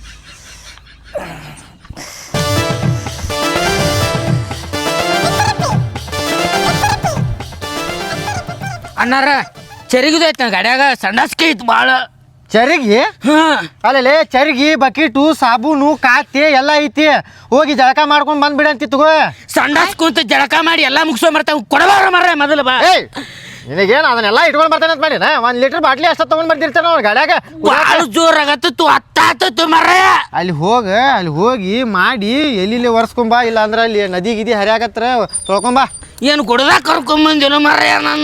Speaker 6: ಅಣ್ಣಾರ ಚರಿಗಿದು ಐತೆ ನನ್ನ ಗಾಡ್ಯಾಗ, ಸಂಡಾಸ್ಕೆ ಐತಿ ಭಾಳ.
Speaker 5: ಚರಿಗೆ ಅಲ್ಲೇ ಚರಿಗೆ ಬಕೀಟು ಸಾಬೂನು ಕಾತೆ ಎಲ್ಲ ಐತಿ. ಹೋಗಿ ಜಳಕ ಮಾಡ್ಕೊಂಡು ಬಂದ್ಬಿಡ ಅಂತಿ ತಗೋ.
Speaker 6: ಸಂಡಾಸ್ ಕುಂತ ಜಳಕ ಮಾಡಿ ಎಲ್ಲ ಮುಗಿಸೋ ಬರ್ತಾವ ಕೊಡಬಾರ ಮರ್ರೆ ಮೊದಲು ಬಾ.
Speaker 5: ಏಯ್ ನಿನಗೇನು ಅದನ್ನೆಲ್ಲ ಇಟ್ಕೊಂಡು ಬರ್ತಾನೆ ಅಂತ ಮಾಡಿನ? ಒಂದು ಲೀಟರ್ ಬಾಟ್ಲಿ ಅಷ್ಟ ತೊಗೊಂಡು ಬರ್ತಿರ್ತಾನೆ ಅವ್ನು ಗಾಡ್ಯಾಗ.
Speaker 6: ಭಾಳ ಜೋರಾಗತ್ತು ಹತ್ತಾತು ಮರ್ರೆ.
Speaker 5: ಅಲ್ಲಿ ಹೋಗ ಅಲ್ಲಿ ಹೋಗಿ ಮಾಡಿ ಎಲ್ಲಿ ಒರೆಸ್ಕೊಂಬಾ, ಇಲ್ಲ ಅಂದ್ರೆ ಅಲ್ಲಿ ನದಿ ಗಿದಿ ಹರಿಯಾಗತ್ರ ತೊಳ್ಕೊಂಬಾ.
Speaker 6: ಏನು ಕೊಡದಾಗ ಕರ್ಕೊಂಬಂದಿಲ್ಲ ಮರ್ರೆ ನನ್ನ.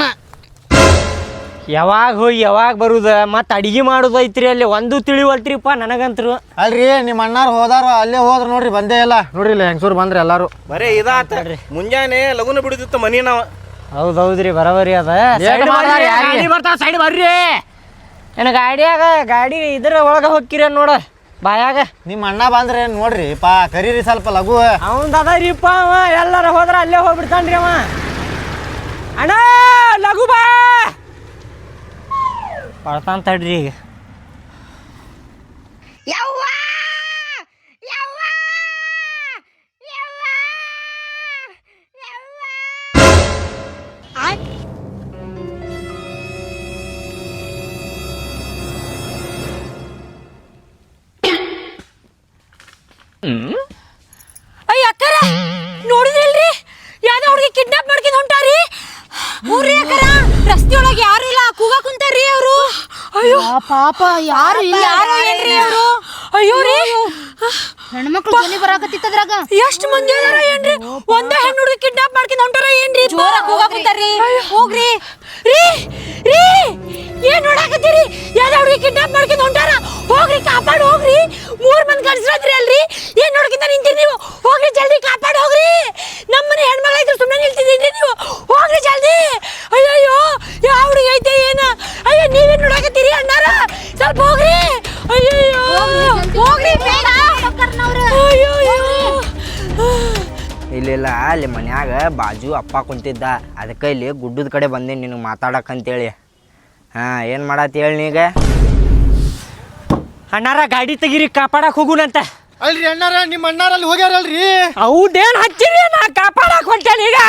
Speaker 2: ಯಾವಾಗ ಹೋಗಿ ಯಾವಾಗ ಬರುದ ಮತ್ತು ಅಡಿಗೆ ಮಾಡೋದು ಐತ್ರಿ ಅಲ್ಲಿ ಒಂದು ತಿಳಿವಲ್ತ್ರಿಪ್ಪ ನನಗಂತರು.
Speaker 5: ಅಲ್ರಿ ನಿಮ್ಮ ಅಣ್ಣಾರು ಹೋದಾರು ಅಲ್ಲೇ ಹೋದ್ರು ನೋಡ್ರಿ, ಬಂದೇ ಇಲ್ಲ ನೋಡ್ರಿ ಇಲ್ಲಿ ಹೆಂಗಸೂರು ಬಂದ್ರಿ ಎಲ್ಲಾರು.
Speaker 3: ಬರೇ ಇದಾತ ಮುಂಜಾನೆ ಲಗುನ ಬಿಡುದಿತ್ತು ಮನಿ ನಾವು.
Speaker 2: ಹೌದೌದ್ರಿ ಬರಬರಿ ಅದ. ಬರ್ತಾವ ಸೈಡ್ ಬರ್ರಿ. ಏನ ಗಾಡಿಯಾಗ ಗಾಡಿ ಇದ್ರ ಒಳಗೆ ಹೋಗ್ಕಿರ ನೋಡ ಬಾಯಾಗ.
Speaker 5: ನಿಮ್ಮ ಅಣ್ಣ ಬಂದ್ರೆ ನೋಡ್ರಿ ಪಾ ಕರೀರಿ ಸ್ವಲ್ಪ ಲಘು.
Speaker 2: ಅವಂದ ಅದರಿಪ್ಪ ಅವ ಎಲ್ಲಾರ ಹೋದ್ರ ಅಲ್ಲೇ ಹೋಗ್ಬಿಡ್ತಾನ್ರಿ ಅವ. ಅಣ್ಣ ಲಘು ಬಾ ಬರ್ತಾನ ತಡ್ರಿ ಈಗ.
Speaker 4: ಅಯ್ಯ ಅಕ್ಕರ ನೋಡಿದ್ರಲ್ರಿ ಯಾವ್ದೋ ಹುಡುಗಿ ಕಿಡ್ನಾಪ್ ಮಾಡ್ಕೊಂಡು ಹೊಂಟಾರಿ. ಊರ್ರಿ ಅಕ್ಕರ ರಸ್ತೆ ಒಳಗೆ ಯಾರು ಇಲ್ಲ ಕೂಗ ಕುಂತಾರ್ರಿ ಅವರು. ಅಯ್ಯೋ
Speaker 1: ಪಾಪ ಯಾರು ಇಲ್ಲ.
Speaker 4: ಯಾರು ಏನ್ರಿ ಅವರು? ಅಯ್ಯೋ ರೀ
Speaker 1: ಹೆಣ್ಮಕ್ಳು ಧ್ವನಿ ಬರಾಕತ್ತಿತ್ತದ್ರಾಗ.
Speaker 4: ಎಷ್ಟು ಮಂದಿ ಅದಾರ ಏನ್ರಿ? ಒಂದೇ ಹೆಣ್ಣು ಹುಡುಗಿ ಕಿಡ್ನಾಪ್ ಮಾಡ್ಕೊಂಡು ಹೊಂಟಾರ ಏನ್ರಿ? ಜೋರ ಕೂಗ ಕುಂತಾರ್ರಿ. ಹೋಗ್ರಿ ರೀ ರೀ ಏನ್ ನೋಡಾಕತ್ತೀರಿ? ಯಾವ್ದೋ ಹುಡುಗಿ ಕಿಡ್ನಾಪ್ ಮಾಡ್ಕೊಂಡು ಹೊಂಟಾರ. ಹೋಗ್ರಿ ಕಾಪಾಡ್ ಹೋಗ್ರಿ. ಮೂರ್ ಮಂದಿ ಗಂಡಸ್ರದ್ರಿ ಅಲ್ರಿ, ಏನ್ ನೋಡ್ಕಿಂತ ನಿಂತೀರಿ ನೀವು? ಹೋಗ್ರಿ ಜಲ್ದಿ ಕಾಪಾಡ್ ಹೋಗ್ರಿ. ನಮ್ಮನೆ ಹೆಣ್ಮಗಳ ಇದ್ರು ಸುಮ್ಮನೆ ನಿಲ್ತಿದ್ದೀರಿ ನೀವು. ಹೋಗ್ರಿ ಜಲ್ದಿ. ಅಯ್ಯಯ್ಯೋ ಯಾವ ಹುಡುಗಿ ಐತೆ ಏನ? ಅಯ್ಯೋ ನೀವೇನ್ ನೋಡಾಕತ್ತೀರಿ ಅಣ್ಣಾರ? ಸ್ವಲ್ಪ ಹೋಗ್ರಿ. ಅಯ್ಯಯ್ಯೋ ಹೋಗ್ರಿ ಬೇಗ. ಅಯ್ಯಯ್ಯೋ
Speaker 8: ಇರಲಿಲ್ಲ ಅಲ್ಲಿ ಮನ್ಯಾಗ ಬಾಜು ಅಪ್ಪ ಕುಂತಿದ್ದ ಅದಕ್ಕೆ ಇಲ್ಲಿ ಗುಡ್ಡದ ಕಡೆ ಬಂದೇನಿ ನಿನಗೆ ಮಾತಾಡಕ್ಕಂತೇಳಿ. ಹಾಂ ಏನು ಮಾಡತ್ತಿ ಹೇಳಿ ನೀಗ?
Speaker 2: ಅಣ್ಣಾರ ಗಾಡಿ ತೆಗೀರಿ ಕಾಪಾಡಕ್ ಹೋಗುನಂತ.
Speaker 5: ಅಲ್ರಿ ಅಣ್ಣಾರ ನಿಮ್ಮ ಅಣ್ಣಾರಲ್ಲಿ ಹೋಗ್ಯಾರಲ್ರಿ.
Speaker 2: ಹೌದೇನು ಹಚ್ಚಿರಿ ನಾ ಕಾಪಾಡಕ್ ಹೊಂಟೇನಿ ಈಗ.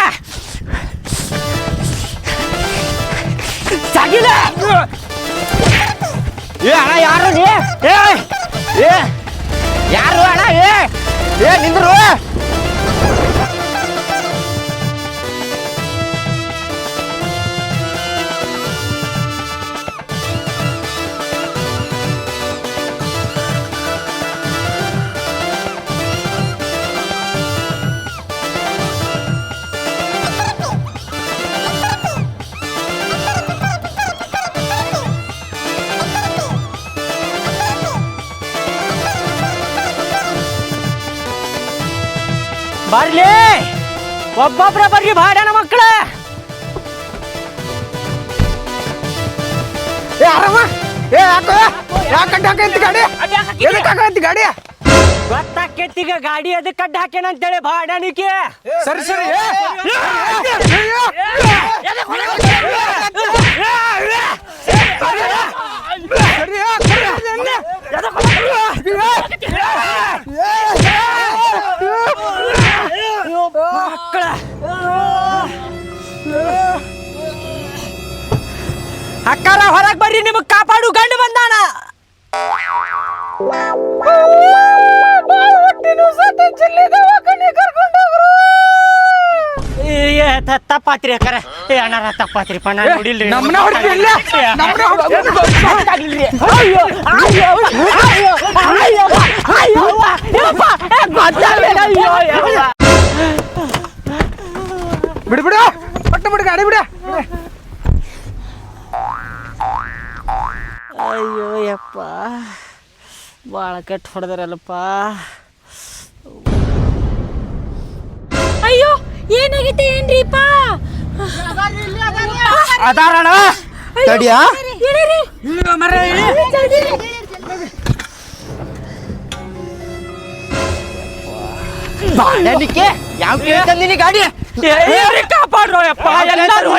Speaker 2: ಸಾಗಿಲ್ಲ ಏ ಅಣ್ಣ ಯಾರು ನೀ? ಏ ಏ ಯಾರು ಅಣ್ಣ? ಏ ಏ ನಿಂದ್ರು. ಬರ್ಲಿ ಒಬ್ಬೊಬ್ರ ಬರ್ರಿ ಬಾಡ್ಯಾನ ಮಕ್ಕಳ.
Speaker 6: ಏ ಆರಾಮ ಏ ಯಾಕ ಯಾಕೆ ಹಾಕೈತಿ ಗಾಡಿ ಎದಕ್ಕೆ ಹಾಕೈತಿ ಗಾಡಿ?
Speaker 2: ಗೊತ್ತಾಕೇತಿಗ ಗಾಡಿ ಅದಕ್ಕೆ ಅಡ್ಡ ಹಾಕೇನಂತೇಳಿ ಬಾಡ್ಯಾನಿಕೆ.
Speaker 6: ಸರಿ ಸರಿ
Speaker 2: ಮಕ್ಕಳ ಅಕ್ಕಾರ ಹೊರಗ್ ಬರ್ರಿ, ನಿಮಗ್ ಕಾಪಾಡು ಗಂಡು ಬಂದಾನ. ತಪ್ಪಾತ್ರಿ ಅಕ್ಕಾರ. ಏ ಅಣ್ಣಾರ ತಪ್ಪಾತ್ರಿ ಪಣ್ಣ ನೋಡಿಲ್ರಿ.
Speaker 6: ನಮ್ಮನ್ನ ಹೊಡ್ತಿಲ್ಲ ನಮ್ಮನ್ನ ಹೊಡ್ತಿಲ್ಲ.
Speaker 2: ಅಯ್ಯೋ ಅಯ್ಯೋ ಅಯ್ಯೋ ಅಯ್ಯೋ ಅಯ್ಯೋ
Speaker 6: ಬಿಡು ಬಿಡು ಒಟ್ಟು ಬಿಡು ಗಾಡಿ ಬಿಡ.
Speaker 2: ಅಯ್ಯೋ ಯಪ್ಪ ಭಾಳ ಕೆಟ್ಟ ಹೊಡೆದಾರಲ್ಲಪ್ಪ.
Speaker 4: ಅಯ್ಯೋ ಏನಾಗೈತೆ ಏನ್ರಿಪ್ಪ?
Speaker 2: ಅದಾರಣ
Speaker 5: ತಡಿಯಾ
Speaker 2: ಬಾಡ್ಯಾನಿಕೆ ಯಾವ ಕೇಳ್ತಂದಿನಿ ಗಾಡಿ ಕಾಪಾಡ್ರೋ ಯಪ್ಪ. ಎಲ್ಲರೂ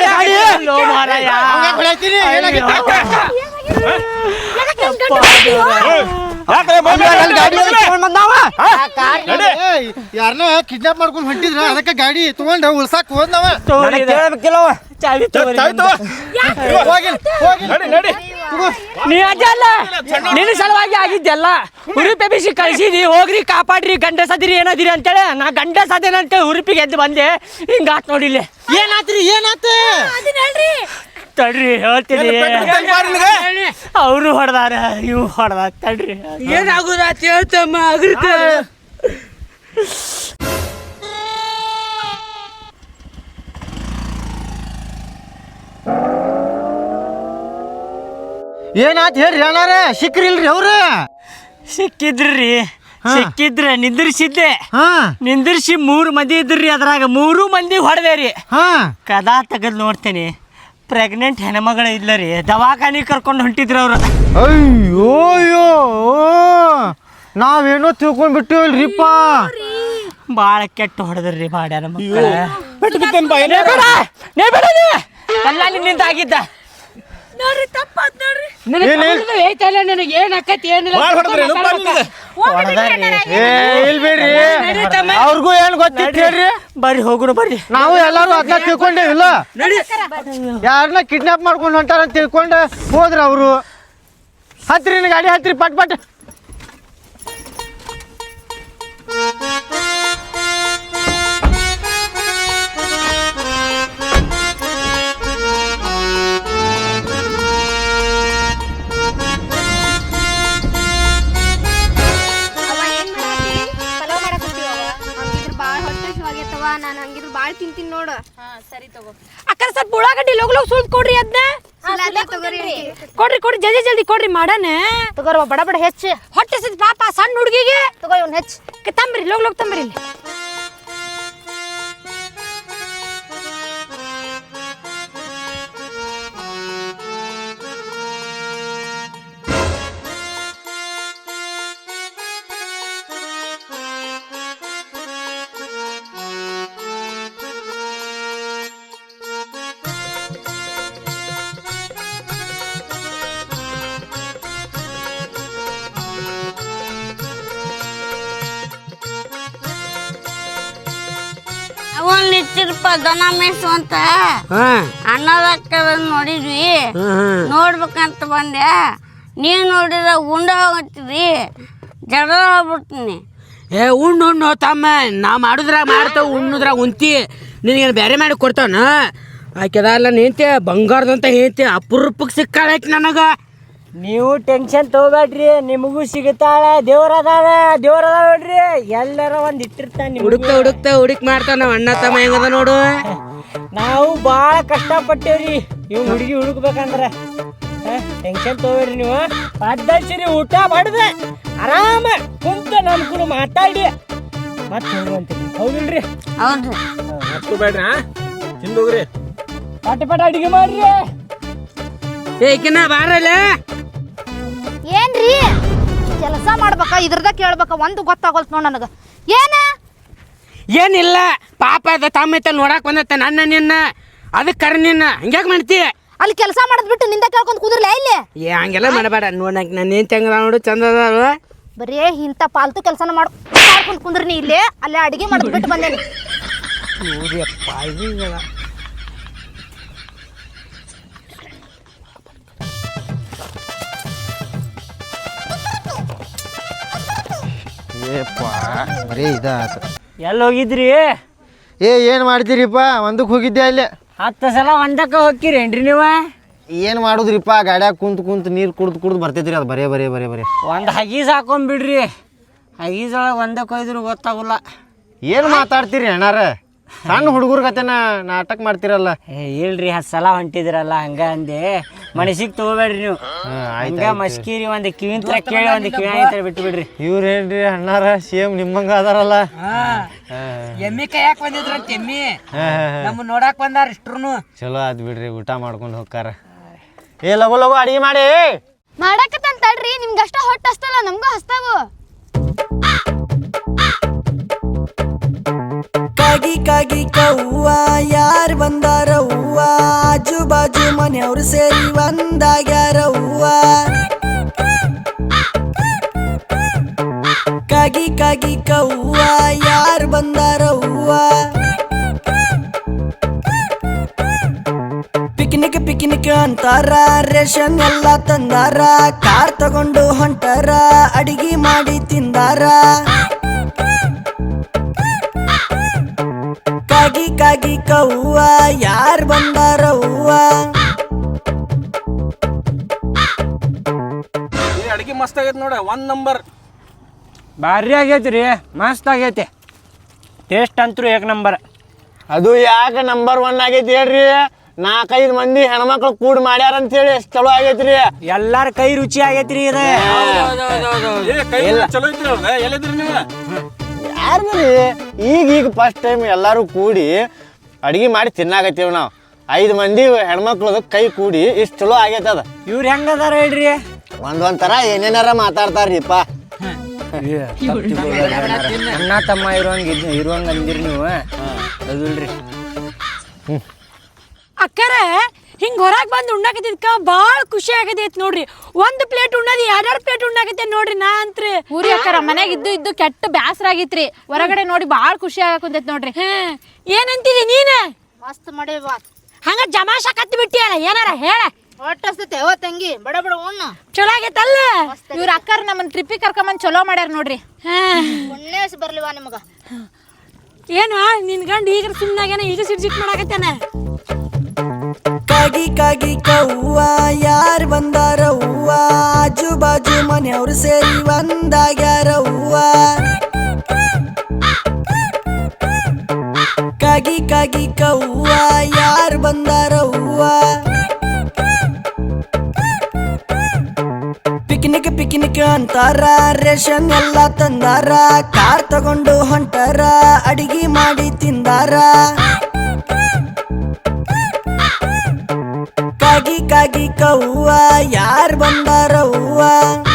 Speaker 5: ಯಾರನ್ನ ಕಿಡ್ನಾಪ್ ಮಾಡ್ಕೊಂಡ್ ಹೊಂಟಿದ್ರ ಅದಕ್ಕೆ ಗಾಡಿ ತಗೊಂಡ ಉಳ್ಸಾಕ್ ಹೋದ್ನವ.
Speaker 8: ಕೇಳಬೇಕಿಲ್ಲವ
Speaker 2: ಚಾವಿ ನೀ ಅಜ್ಜಲ್ಲ ನಿನ್ನ ಸಲುವಾಗಿ ಆಗಿದ್ದೆಲ್ಲ ಹುರುಪಿ ಬಿಸಿ ಕಳಿಸಿದಿ ಹೋಗ್ರಿ ಕಾಪಾಡ್ರಿ ಗಂಡ ಸದಿರಿ ಏನದಿರಿ ಅಂತೇಳಿ ನಾ ಗಂಡ ಸದೇನ ಅಂತೇಳಿ ಹುರುಪಿಗೆ ಎದ್ದು ಬಂದೆ. ಹಿಂಗಾತ್ ನೋಡಿಲ್ಲ.
Speaker 5: ಏನಾತ್ರಿ ಏನಾತ?
Speaker 2: ತಡ್ರಿ ಹೇಳ್ತೀನಿ. ಅವರು ಹೊಡೆದಾರ ಇವು ಹೊಡೆದ. ತಡ್ರಿ
Speaker 6: ಏನಾಗುದ ಹೇಳ್ತಮ್ಮ ಅಗ್ರಿತ.
Speaker 5: ಏನಾತ್ ಹೇಳ್ರಿ ಅಣ್ಣಾರ? ಸಿಕ್ರಿಲ್ರಿ ಅವ್ರ?
Speaker 2: ಸಿಕ್ಕಿದ್ರಿ ಸಿಕ್ಕಿದ್ರ ನಿಂದಿರ್ಸಿದ್ದೆ.
Speaker 5: ಹಾ
Speaker 2: ನಿಂದಿರ್ಸಿ ಮೂರು ಮಂದಿ ಇದ್ರಿ, ಅದ್ರಾಗ ಮೂರು ಮಂದಿ ಹೊಡೆದೇರಿ.
Speaker 5: ಹಾ
Speaker 2: ಕದಾ ತೆಗೆದು ನೋಡ್ತೇನೆ ಪ್ರೆಗ್ನೆಂಟ್ ಹೆಣ್ಮಗಳ ಇಲ್ಲ ರೀ. ದವಾಖಾನಿ ಕರ್ಕೊಂಡು ಹೊಂಟಿದ್ರು ಅವ್ರು.
Speaker 5: ಅಯ್ಯೋ ಅಯ್ಯೋ ನಾವೇನೋ ತಿಳ್ಕೊಂಡ್ ಬಿಟ್ಟಿವಲ್ರಿಪ್ಪ.
Speaker 2: ಭಾಳ ಕೆಟ್ಟ ಹೊಡೆದ್ರಿ ಬಾಡ್ಯಾನ ಮಕ್ಕಳ. ಎಲ್ಲ ನಿನ್ನಿಂದ ಆಗಿದ್ದ.
Speaker 4: ನೋಡ್ರಿ ತಪ್ಪಾತ್ ನೋಡ್ರಿ.
Speaker 6: ನನಗೆ ಏನ್ ಆಕೈತಿ ಏನಿಲ್ಲ
Speaker 5: ಇಲ್ಬೇಡ್ರಿ ಅವ್ರಿಗೂ ಏನ್ ಗೊತ್ತಿತ್ತು ಹೇಳ್ರಿ.
Speaker 2: ಬರ್ರಿ ಹೋಗುಣ ಬರ್ರಿ.
Speaker 5: ನಾವು ಎಲ್ಲಾರು ಅದನ್ನ ತಿಳ್ಕೊಂಡೇವಿಲ್ಲ. ಯಾರನ್ನ ಕಿಡ್ನಾಪ್ ಮಾಡ್ಕೊಂಡು ಹೊಂಟಾರ ಅಂತ ತಿಳ್ಕೊಂಡು ಹೋದ್ರ ಅವರು. ಹತ್ರಿ ಗಾಡಿ ಹತ್ರಿ ಪಟ್ ಪಟ್.
Speaker 1: ನಾನು ಹಂಗಿದ್ರು ಬಾಳ್ ತಿಂತೀನಿ ನೋಡು.
Speaker 4: ಸರಿ ತಗೋ ಅಕ್ಕ. ಸ್ವಲ್ಪ ಉಳ್ಳಾಗಡ್ಡಿ ಲೋಗ್ ಲೋಗ್ ಸುಲ್ದ್ ಕೊಡ್ರಿ ಅದನ್ನ. ಕೊಡ್ರಿ ಕೊಡ್ರಿ ಜಲ್ದಿ ಜಲ್ದಿ ಕೊಡ್ರಿ ಮಾಡಣ.
Speaker 1: ತಗೋರ್ವ ಬಡ ಬಡ ಹೆಚ್ಚು
Speaker 4: ಹೊಟ್ಟೆ ಸಿದ್ ಪಾಪ ಸಣ್ಣ ಹುಡುಗಿಗೆ.
Speaker 1: ತಗೋ ಇವ್ನ ಹೆಚ್ಚು
Speaker 4: ತಂಬ್ರಿ ಲೋಗ್ ಲೋಗ್ ತಂಬ್ರಿ ಇಲ್ಲಿ.
Speaker 9: ಬರ್ತಿರಪ್ಪ ದನ ಮೇಸು ಅಂತ
Speaker 6: ಹಾ
Speaker 9: ಅನ್ನದಕ್ಕ ನೋಡಿದ್ವಿ ನೋಡ್ಬೇಕಂತ ಬಂದೆ. ನೀವು ನೋಡಿದ್ರೆ ಉಂಡ ಹೋಗತ್ತಿದ್ರಿ, ಜಗಳ ಆಗ್ಬಿಡ್ತೀನಿ.
Speaker 6: ಏ ಉಣ್ಣು ಉಣ್ಣು ತಮ್ಮ ನಾ ಮಾಡುದ್ರಾಗ ಮಾಡ್ತಾವ ಉಣ್ಣುದ್ರಾಗ ಉಂತಿ ನಿನಗೇನು ಬೇರೆ ಮಾಡಿ ಕೊಡ್ತಾವನ ಆಕೆದಲ್ಲ ನಿಂತೆ ಬಂಗಾರದಂತ ಹೇಳ್ತಿ ಅಪರೂಪಕ್ಕೆ ಸಿಕ್ಕಾಳೈತಿ ನನಗೆ.
Speaker 2: ನೀವು ಟೆನ್ಷನ್ ತಗೋಬೇಡ್ರಿ, ನಿಮಗೂ ಸಿಗುತ್ತಾಳ. ದೇವ್ರದಾದ ದೇವ್ರದ ನೋಡ್ರಿ, ಎಲ್ಲರ ಒಂದ್ ಇಟ್ಟಿರ್ತಾನೆ.
Speaker 6: ಹುಡುಕ್ತಾ ಹುಡುಕ್ತಾ ಹುಡುಕ್ ಮಾಡ್ತಾವ ನಾವು ಅಣ್ಣ ತಮ್ಮ ಹೆಂಗದ ನೋಡು.
Speaker 2: ನಾವು ಭಾಳ ಕಷ್ಟಪಟ್ಟೇವ್ರಿ ಇವ್ ಹುಡುಗಿ ಹುಡುಕ್ಬೇಕಂದ್ರ. ಟೆನ್ಷನ್ ತಗೋಬೇಡ್ರಿ ನೀವು. ಪದ್ದಸಿರಿ ಊಟ ಮಾಡಿದೆ ಆರಾಮ ಕುಂತ ನಮ್ ಕೂಡ ಮಾತಾಡಿ ಮತ್ತೆ ಹೋಗುವಂತೀವಿ. ಹೌದಿಲ್ರಿ?
Speaker 9: ಹೌದು.
Speaker 3: ಹತ್ತು ಬೇಡ್ರಿ ಹಾ ತಿಂದೋಗ್ರಿ.
Speaker 2: ಪಟ ಪಟ ಅಡಿಗೆ ಮಾಡ್ರಿ.
Speaker 6: ಏಕಿನ ಬಾರಲ್ಲ
Speaker 1: ಏನ್ರಿ ಕೆಲಸ ಮಾಡ್ಬೇಕ ಇದ್ರದ ಕೇಳ್ಬೇಕ ಒಂದು ಗೊತ್ತಾಗೋಲ್ತ ನೋಡ್ ನನಗ. ಏನ
Speaker 6: ಏನಿಲ್ಲ ಪಾಪ ಅದ ತಮ್ಮ ಐತ ನೋಡಕ್ ಬಂದತ್ತ ನನ್ನ ನಿನ್ನ ಅದಕ್ಕೆ ಕರ್ ನಿನ್ನ ಹಂಗ್ಯಾಕ್ ಮಾಡ್ತಿ?
Speaker 1: ಅಲ್ಲಿ ಕೆಲಸ ಮಾಡೋದ್ ಬಿಟ್ಟು ನಿಂದ ಕೇಳ್ಕೊಂಡ್ ಕುದುರ್ಲ ಇಲ್ಲಿ.
Speaker 6: ಏ ಹಂಗೆಲ್ಲ ಮಾಡಬೇಡ ನೋಡಕ್ ನಾನು ಏನ್ ಹೆಂಗದ ನೋಡು ಚಂದ ಅದಾವ.
Speaker 1: ಬರೀ ಇಂಥ ಪಾಲ್ತು ಕೆಲಸನ ಮಾಡು ಮಾಡ್ಕೊಂಡು ಕುಂದ್ರಿ ಇಲ್ಲಿ. ಅಲ್ಲೇ ಅಡಿಗೆ ಮಾಡೋದ್ ಬಿಟ್ಟು ಬಂದೇನಿ.
Speaker 5: ಏಪ್ಪ ಬರೀ ಇದಾತ.
Speaker 2: ಎಲ್ಲಿ ಹೋಗಿದ್ರಿ?
Speaker 5: ಏ ಏನು ಮಾಡ್ತೀರಿಪ್ಪ? ಒಂದಕ್ಕೆ ಹೋಗಿದ್ದೆ ಅಲ್ಲಿ.
Speaker 2: ಹತ್ತು ಸಲ ಒಂದಕ್ಕೆ ಹೋಗ್ತೀರೇನ್ರಿ ನೀವು?
Speaker 5: ಏನು ಮಾಡುದ್ರಿಪ್ಪ, ಗಾಡ್ಯಾಗ ಕುಂತು ಕುಂತು ನೀರು ಕುಡ್ದು ಕುಡ್ದು ಬರ್ತೈತ್ರಿ ಅದು ಬರೇ ಬರೇ ಬರೇ ಬರೇ.
Speaker 2: ಒಂದು ಹಗೀಸ್ ಹಾಕೊಂಡ್ಬಿಡ್ರಿ, ಹಗೀಸೊಳಗೆ ಒಂದಕ್ಕೆ ಹೋಯ್ದ್ರು ಗೊತ್ತಾಗಲ್ಲ.
Speaker 5: ಏನು ಮಾತಾಡ್ತೀರಿ ಅಣ್ಣಾರ? ಸಣ್ಣ ಹುಡುಗರ ಕತೆನ ನಾಟಕ ಮಾಡ್ತಿರಲ್ಲ.
Speaker 2: ಏ ಇಲ್ರಿ ಹತ್ತು ಸಲ ಹೊಂಟಿದ್ರಲ್ಲ ಹಂಗ ಅಂದೆ, ಮನಸ್ಸಿಗೆ ತಗೋಬೇಡ್ರಿ ನೀವು. ಹಂಗ ಮಸ್ಕೀರಿ ಒಂದು ಕಿವಿಂತ್ರ ಕೇಳಿ ಒಂದು ಕಿವಿ ಆಯ್ತು ಬಿಟ್ಟು ಬಿಡ್ರಿ.
Speaker 5: ಇವ್ರೇನ್ರಿ ಅಣ್ಣಾರ ಸೇಮ್ ನಿಮ್ಮಂಗ ಅದಾರಲ್ಲ.
Speaker 6: ಎಮ್ಮಿ ಕೈಯಾಕ್ ಬಂದಿದ್ರಂತ ಎಮ್ಮಿ ನಮ್ಮ ನೋಡಾಕ್ ಬಂದಾರ ಇಷ್ಟ್ರು.
Speaker 5: ಚಲೋ ಆದ್ ಬಿಡ್ರಿ, ಊಟ ಮಾಡ್ಕೊಂಡು ಹೋಗ್ತಾರ. ಏ ಲಗು ಲಗು ಅಡಿಗೆ ಮಾಡಿ.
Speaker 1: ಮಾಡಕತ್ತಂತ ತಡ್ರಿ, ನಿಮ್ಗೆ ಅಷ್ಟ ಹೊಟ್ಟೆ ಹಸ್ತಲ್ಲ, ನಮ್ಗೂ ಹಸ್ತಾವು.
Speaker 7: ಕಾಗಿ ಕಾಗಿ ಕವ್ವ ಯಾರ್ ಬಂದಾರವ್ವ, ಆಜು ಬಾಜು ಮನೆಯವ್ರು ಸೇರಿ ಒಂದಾಗ್ಯಾರವ್ವ. ಕಾಗಿ ಕಾಗಿ ಕವ್ವ ಯಾರ್ ಬಂದಾರವ್ವ, ಪಿಕ್ನಿಕ್ ಪಿಕ್ನಿಕ್ ಅಂತಾರ, ರೇಷನ್ ಎಲ್ಲ ತಂದಾರ, ಕಾರ್ ತಗೊಂಡು ಹೊಂಟಾರ, ಅಡಿಗೆ ಮಾಡಿ ತಿಂದಾರ. ಕಾಗಿ ಕಾಗಿ ಕವ್ವ ಯಾರ್ ಬಂದಾರವ್ವ.
Speaker 3: ಅಡಿಗೆ ಮಸ್ತ್ ಆಗೈತೆ ನೋಡ, ಒಂದ್ ನಂಬರ್.
Speaker 2: ಭಾರಿ ಆಗೈತಿ ರೀ, ಮಸ್ತ್ ಆಗೈತಿ. ಟೇಸ್ಟ್ ಅಂತೂ ಏಕ್ ನಂಬರ್.
Speaker 5: ಅದು ಯಾಕೆ ನಂಬರ್ ಒನ್ ಆಗೈತಿ ಹೇಳ್ರಿ? ನಾಲ್ಕೈದು ಮಂದಿ ಹೆಣ್ಮಕ್ಳು ಕೂಡ್ ಮಾಡ್ಯಾರ ಅಂತ ಹೇಳಿ ಎಷ್ಟು ಚಲೋ ಆಗೈತ್ರಿ.
Speaker 2: ಎಲ್ಲಾರ ಕೈ ರುಚಿ ಆಗೈತ್ರಿ ಇದು.
Speaker 3: ಚಲೋ ಐತ್ರಿ ಅವ್ರದ. ಎಲ್ಲಿದ್ರಿ ನೀವು?
Speaker 5: ಯಾರ್ದ್ರಿ ಈಗ ಈಗ ಫಸ್ಟ್ ಟೈಮ್ ಎಲ್ಲಾರು ಕೂಡಿ ಅಡಿಗೆ ಮಾಡಿ ತಿನ್ನಾಕತ್ತೀವಿ ನಾವು. ಐದು ಮಂದಿ ಹೆಣ್ಮಕ್ಳದ ಕೈ ಕೂಡಿ ಇಷ್ಟು ಚಲೋ ಆಗೈತೆ ಅದ.
Speaker 2: ಇವ್ರು ಹೆಂಗದಾರ ಹೇಳ್ರಿ?
Speaker 5: ಒಂದೊಂದ್ ತರ ಏನೇನಾರ ಮಾತಾಡ್ತಾರ್ರಿಪ್ಪ.
Speaker 2: ಅಣ್ಣ ತಮ್ಮ ಇರುವಂಗ ಇರುವಂಗ ಅಂದಿರಿ ನೀವು. ಅದಿಲ್ರಿ
Speaker 4: ಅಕ್ಕರ ಹಿಂಗ್ ಹೊರಗೆ ಬಂದು ಉಣ್ಣಾಕತ್ತಿದ್ಕ ಭಾಳ ಖುಷಿ ಆಗತೈತಿ ನೋಡ್ರಿ. ಒಂದು ಪ್ಲೇಟ್ ಉಣ್ಣದಿ ಎರಡೆರಡು ಪ್ಲೇಟ್ ಉಣ್ಣಾಕತ್ತೆ ನೋಡ್ರಿ. ನಾ ಅಂತ್ರಿ
Speaker 1: ಊರಿ ಅಕ್ಕಾರ ಮನೆಗೆ ಇದ್ದು ಇದ್ದು ಕೆಟ್ಟ ಬ್ಯಾಸರ ಆಗಿತ್ರಿ, ಹೊರಗಡೆ ನೋಡಿ ಭಾಳ ಖುಷಿ ಆಗಕುಂತೈತಿ ನೋಡ್ರಿ.
Speaker 4: ಏನಂತಿದಿ ನೀನ?
Speaker 1: ಮಸ್ತ್ ಮಾಡೇವಾ.
Speaker 4: ಹಂಗ ಜಮಾಶ ಕತ್ತಿ ಬಿಟ್ಟಿಯಲ್ಲ, ಏನಾರ ಹೇಳ.
Speaker 1: ಹೊಟ್ಟಸ್ತೈತೆ ಯಾವ ತಂಗಿ, ಬಡ ಬಡ ಉಣ್ಣ.
Speaker 4: ಚಲೋ ಆಗೈತಲ್ಲ.
Speaker 1: ಇವ್ರ ಅಕ್ಕಾರ ನಮ್ಮನ್ನ ಟ್ರಿಪ್ಪಿಗೆ ಕರ್ಕೊಂಬಂದು ಚಲೋ ಮಾಡ್ಯಾರ ನೋಡ್ರಿ. ಪುಣ್ಯಸ್ ಬರ್ಲಿವಾ ನಿಮಗ.
Speaker 4: ಏನು ನಿನ್ ಗಂಡ ಈಗ ಸುಮ್ಮನಾಗೇನ, ಈಗ ಸಿಟ್ ಸಿಟ್ ಮಾಡಾಕತ್ತೇನ.
Speaker 7: ಕಾಗಿ ಕಾಗಿ ಕವ್ವ ಯಾರ್ ಬಂದಾರವ್ವ, ಆಜು ಬಾಜು ಮನೆಯವ್ರು ಸೇರಿ ಒಂದಾಗ್ಯಾರವ್ವ. ಕಾಗಿ ಕಾಗಿ ಕವ್ವ ಯಾರ್ ಬಂದಾರವ್ವ, ಪಿಕ್ನಿಕ್ ಪಿಕ್ನಿಕ್ ಅಂತಾರ, ರೇಷನ್ ಎಲ್ಲ ತಂದಾರ, ಕಾರ್ ತಗೊಂಡು ಹೊಂಟಾರ, ಅಡಿಗೆ ಮಾಡಿ ತಿಂದಾರ. ಕಾಗಿ ಕಾಗಿ ಕವ್ವ ಯಾರ್ ಬಂದಾರವ್ವ.